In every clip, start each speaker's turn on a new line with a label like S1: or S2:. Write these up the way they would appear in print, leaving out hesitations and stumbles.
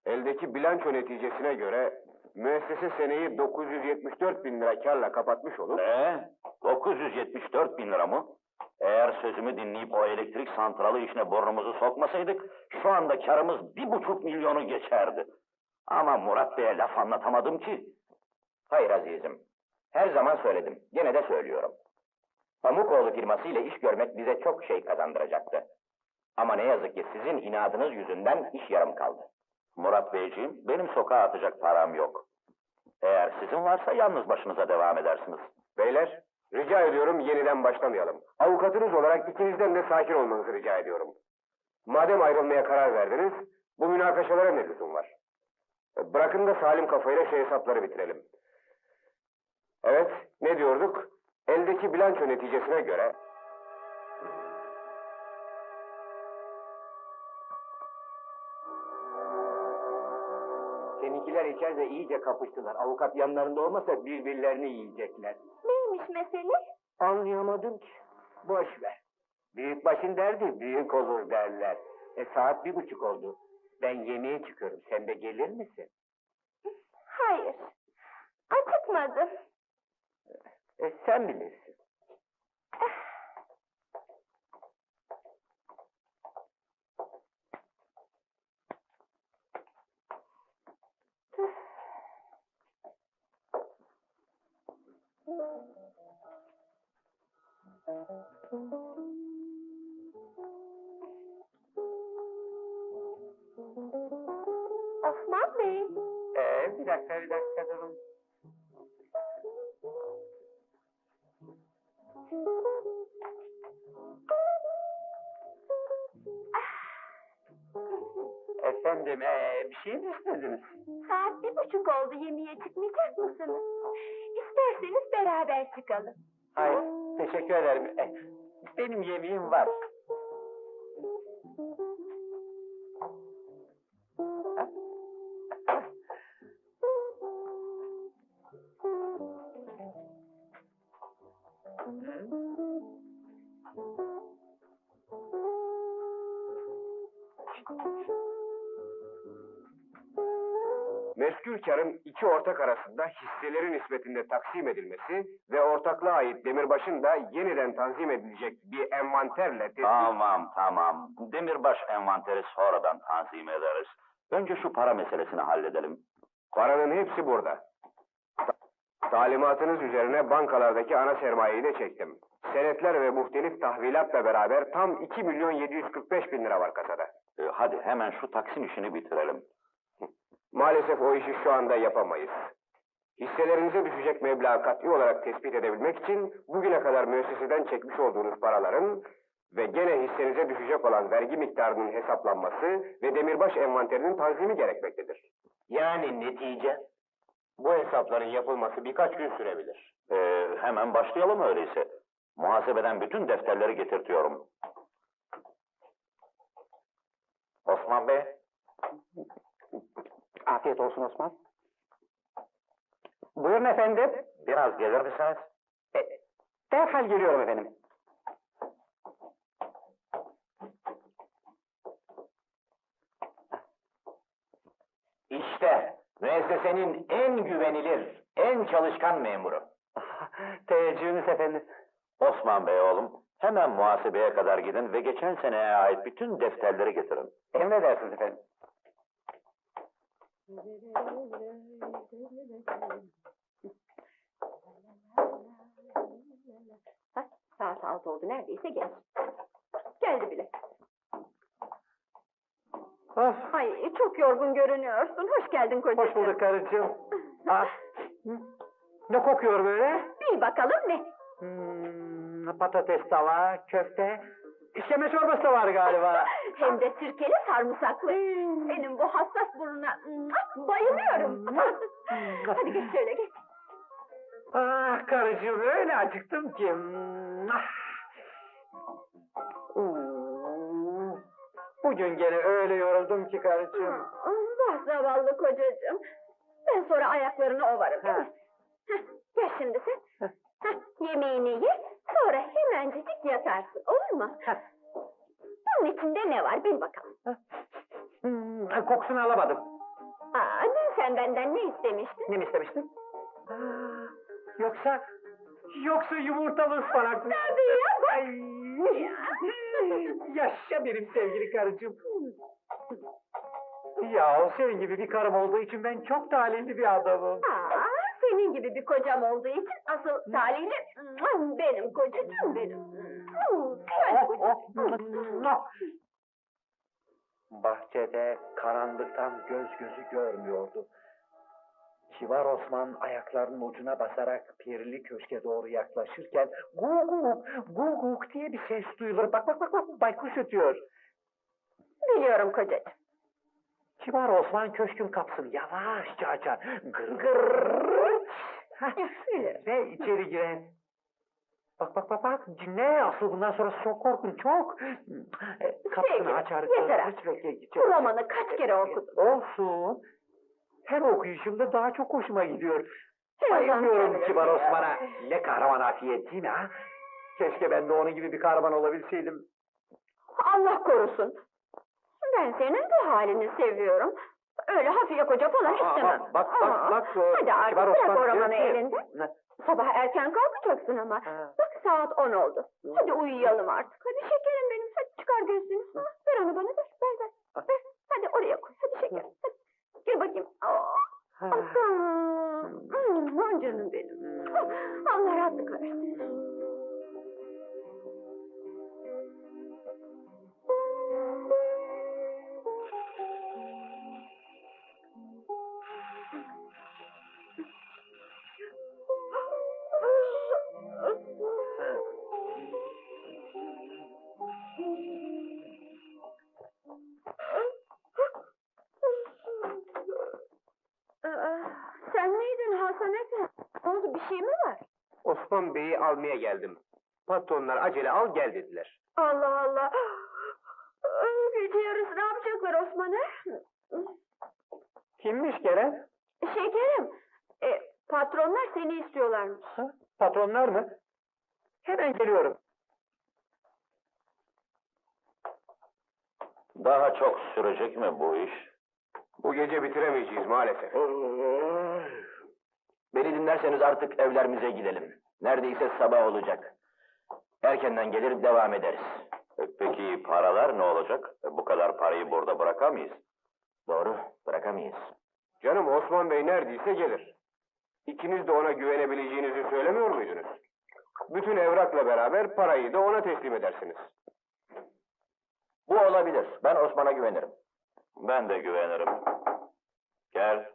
S1: Eldeki bilanço neticesine göre müessese seneyi 974 bin lira kârla kapatmış olur.
S2: Ne? 974 bin lira mı? Eğer sözümü dinleyip o elektrik santralı işine burnumuzu sokmasaydık, şu anda karımız 1,5 milyonu geçerdi. Ama Murat Bey'e laf anlatamadım ki.
S3: Hayır azizim. Her zaman söyledim. Gene de söylüyorum. Pamukoğlu firması ile iş görmek bize çok şey kazandıracaktı. Ama ne yazık ki sizin inadınız yüzünden iş yarım kaldı.
S2: Murat Beyciğim, benim sokağa atacak param yok. Eğer sizin varsa yalnız başınıza devam edersiniz.
S1: Beyler, rica ediyorum yeniden başlamayalım. Avukatınız olarak ikinizden de sakin olmanızı rica ediyorum. Madem ayrılmaya karar verdiniz, bu münakaşalara ne lüzum var? Bırakın da salim kafayla şu hesapları bitirelim. Evet, ne diyorduk? Eldeki bilanço neticesine göre...
S3: Seninkiler içeride iyice kapıştılar. Avukat yanlarında olmasa birbirlerini yiyecekler.
S4: Neymiş mesele?
S3: Anlayamadım ki. Boş ver. Büyükbaşın derdi büyük olur derler. Saat 1:30 oldu. Ben yemeğe çıkıyorum. Sen de gelir misin?
S4: Hayır. Acıkmadım.
S3: Sen bilirsin.
S4: Osman Bey.
S3: Bir dakika durun. Efendim, bir şey mi istediniz?
S4: Saat 1:30 oldu, yemeğe çıkmayacak mısınız? İsterseniz beraber çıkalım.
S3: Hayır, teşekkür ederim. Benim yemeğim var.
S1: Meskul karın iki ortak arasında hisselerin nispetinde taksim edilmesi ve ortaklığa ait demirbaşın da yeniden tanzim edilecek bir envanterle tespit...
S2: Tamam. Demirbaş envanteri sonradan tanzim ederiz. Önce şu para meselesini halledelim.
S1: Paranın hepsi burada. Talimatınız üzerine bankalardaki ana sermayeyi de çektim. Senetler ve muhtelif tahvilatla beraber tam 2.745.000 lira var kasada.
S2: Hadi hemen şu taksim işini bitirelim.
S1: Maalesef o işi şu anda yapamayız. Hisselerinize düşecek meblağı kat'i olarak tespit edebilmek için bugüne kadar müesseseden çekmiş olduğunuz paraların ve gene hissenize düşecek olan vergi miktarının hesaplanması ve demirbaş envanterinin tanzimi gerekmektedir.
S3: Yani netice?
S1: Bu hesapların yapılması birkaç gün sürebilir.
S2: Hemen başlayalım öyleyse. Muhasebeden bütün defterleri getirtiyorum.
S3: Osman Bey. Afiyet olsun Osman. Buyurun efendim.
S2: Biraz gelir misiniz?
S3: Derhal geliyorum efendim. İşte müessesenin en güvenilir, en çalışkan memuru. Teveccühünüz efendim.
S2: Osman Bey oğlum, hemen muhasebeye kadar gidin ve geçen seneye ait bütün defterleri getirin.
S3: Emredersiniz efendim.
S4: Saat 6 oldu, neredeyse geç. Geldi bile.
S3: Of,
S4: Ay, çok yorgun görünüyorsun. Hoş geldin kocacığım.
S3: hoş bulduk karıcığım. Ne kokuyor böyle?
S4: Bil bakalım ne?
S3: Patates tava, köfte, işkembe çorbası da var galiba.
S4: Hem de sirkeli sarımsaklı. Senin bu hassas burnuna bayılıyorum. Hadi geç şöyle geç.
S3: Ah karıcığım öyle acıktım ki. Bugün gene öyle yoruldum ki karıcığım.
S4: Vah zavallı kocacığım. Ben sonra ayaklarını ovarım değil mi? Gel şimdi sen. Yemeğini ye, sonra hemencecik yatarsın, olur mu? Bunun içinde ne var, bil bakalım.
S3: Kokusunu alamadım.
S4: Sen benden ne istemiştin?
S5: Ne mi istemiştin? Yoksa... Yoksa yumurtalı ıspanak mı?
S4: Tabii ya.
S5: Ay, yaşa benim sevgili karıcığım. Ya o senin gibi bir karım olduğu için ben çok talihli bir adamım.
S4: Aa, senin gibi bir kocam olduğu için asıl talihli benim kocacığım benim. Sen kocacığım.
S5: Bahçede karanlıktan göz gözü görmüyordu. Kibar Osman ayaklarının ucuna basarak Pirli Köşk'e doğru yaklaşırken guguk guguk diye bir ses duyulur. Bak bak bak bak baykuş ötüyor.
S4: Biliyorum kocacığım.
S5: Kibar Osman köşkün kapısını yavaşça açar. Gır gır. Hah,
S4: Bilirim.
S5: ve içeri girer. Bak bak bak bak dinle asıl bundan sonra çok korkun çok. Kapısını
S4: Sevgilim,
S5: açar.
S4: yeter artık. Bu romanı kaç kere okudun?
S5: Olsun. Her okuyuşumda daha çok hoşuma gidiyor.
S4: Her
S5: Bayılıyorum
S4: zaman
S5: Kibar
S4: söylüyorum.
S5: Osman'a. Ne kahraman afiyet değil mi ha? Keşke ben de onun gibi bir kahraman olabilseydim.
S4: Allah korusun. Ben senin bu halini seviyorum. Öyle hafiye koca falan istemem.
S5: Bak
S4: Aa,
S5: bak.
S4: Hadi artık
S5: Kibar
S4: bırak
S5: Osman
S4: o
S5: diyor
S4: romanı
S5: ki-
S4: elinde. Sabah erken kalkacaksın ama.
S5: Ha.
S4: Bak saat 10 oldu. Hadi uyuyalım artık. Hadi şekerim benim. Hadi çıkar gözlüğünü. Ha, ver onu bana ver. Ver ver. Ver. Hadi oraya koy. Hadi şekerim. Hadi. Gel bakayım. Oh. Canım benim. Allah rahatlık versin. Sen miydin Hasan Efendi? Ne oldu, bir şey mi var?
S1: Osman Bey'i almaya geldim. Patronlar acele al gel dediler.
S4: Allah Allah! Gece yarısı ne yapacaklar Osman'ı?
S5: Kimmiş gelen?
S4: Şekerim, patronlar seni istiyorlarmış.
S5: Ha? Patronlar mı? Hemen geliyorum.
S2: Daha çok sürecek mi bu iş?
S1: Bu gece bitiremeyeceğiz maalesef.
S3: Beni dinlerseniz artık evlerimize gidelim. Neredeyse sabah olacak. Erkenden gelir devam ederiz.
S2: Peki paralar ne olacak? Bu kadar parayı burada bırakamayız.
S3: Doğru, bırakamayız.
S1: Canım Osman Bey neredeyse gelir. İkiniz de ona güvenebileceğinizi söylemiyor muydunuz? Bütün evrakla beraber parayı da ona teslim edersiniz.
S3: Bu olabilir. Ben Osman'a güvenirim.
S2: Ben de güvenirim. Gel.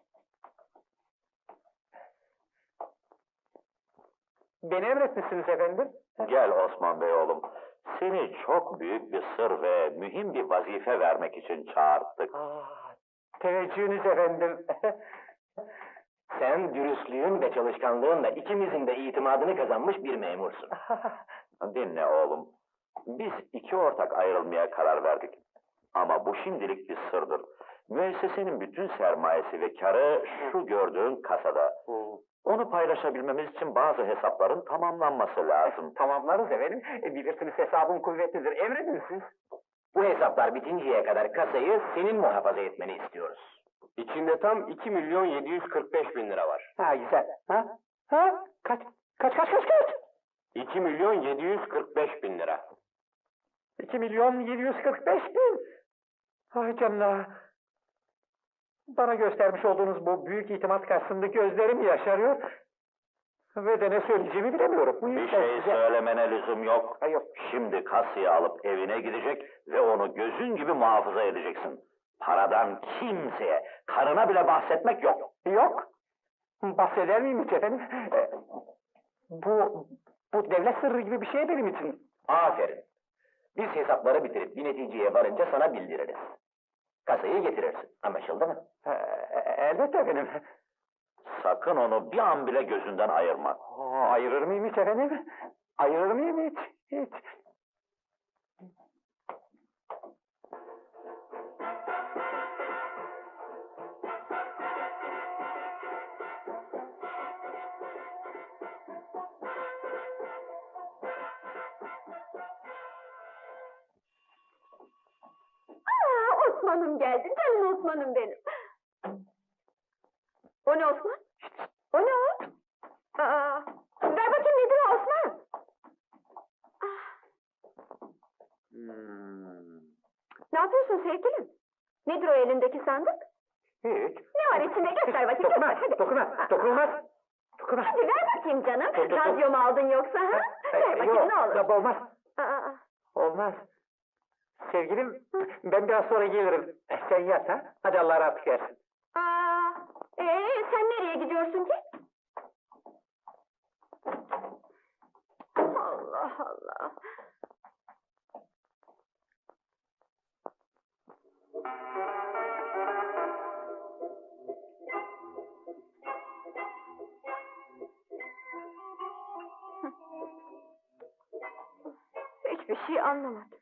S5: Beni emretmişsiniz efendim.
S2: Gel Osman Bey oğlum. Seni çok büyük bir sır ve mühim bir vazife vermek için çağırttık.
S5: Teveccühünüz efendim.
S3: Sen dürüstlüğün ve çalışkanlığınla ikimizin de itimadını kazanmış bir memursun.
S2: Dinle oğlum. Biz iki ortak ayrılmaya karar verdik. Ama bu şimdilik bir sırdır. Müessesenin bütün sermayesi ve karı şu gördüğün kasada. Onu paylaşabilmemiz için bazı hesapların tamamlanması lazım.
S5: Tamamlarız efendim. Bilirsiniz hesabım kuvvetlidir. Emredin siz.
S3: Bu hesaplar bitinceye kadar kasayı senin muhafaza etmeni istiyoruz.
S1: İçinde tam 2.745.000 lira var.
S5: Ha güzel. Ha? Ha? Kaç?
S1: 2.745.000 lira.
S5: 2.745.000. Ay canına. Bana göstermiş olduğunuz bu büyük itimat karşısında gözlerim yaşarıyor. Ve de ne söyleyeceğimi bilemiyorum. Bu
S2: Bir
S5: yüzden
S2: şey
S5: size-
S2: söylemene lüzum yok.
S5: Ay yok.
S2: Şimdi kasayı alıp evine gidecek ve onu gözün gibi muhafaza edeceksin. Paradan kimseye, karına bile bahsetmek yok.
S5: Yok. Bahseder miyim hiç efendim? Bu devlet sırrı gibi bir şey benim için.
S3: Aferin. Biz hesapları bitirip bir neticeye varınca sana bildiririz. Kasayı getirirsin. Anlaşıldı mı?
S5: Elbette efendim.
S2: Sakın onu bir an bile gözünden ayırma.
S5: Ayırır mıyım hiç efendim? Ayırır mıyım hiç? Hiç.
S4: Osman'ım geldi, canım Osman'ım benim. O ne Osman? O ne o? Aa, ver bakayım nedir o Osman? Ah, ne yapıyorsun sevgilim? Nedir o elindeki sandık?
S5: Hiç.
S4: Ne var içinde göster bakayım.
S5: Dokunmaz,
S4: göster, hadi.
S5: dokunmaz, dokunulmaz. Dokunmaz.
S4: Hadi ver bakayım canım.
S5: Dur, dur, dur.
S4: Radyo mu aldın yoksa ha? Ver bakayım
S5: Yok,
S4: ne olur.
S5: yok, olmaz.
S4: Aa,
S5: Olmaz. Sevgilim, ben biraz sonra gelirim. Sen yat ha. Hadi Allah rahatlık versin.
S4: sen nereye gidiyorsun ki? Allah Allah. Hiçbir şey anlamadım.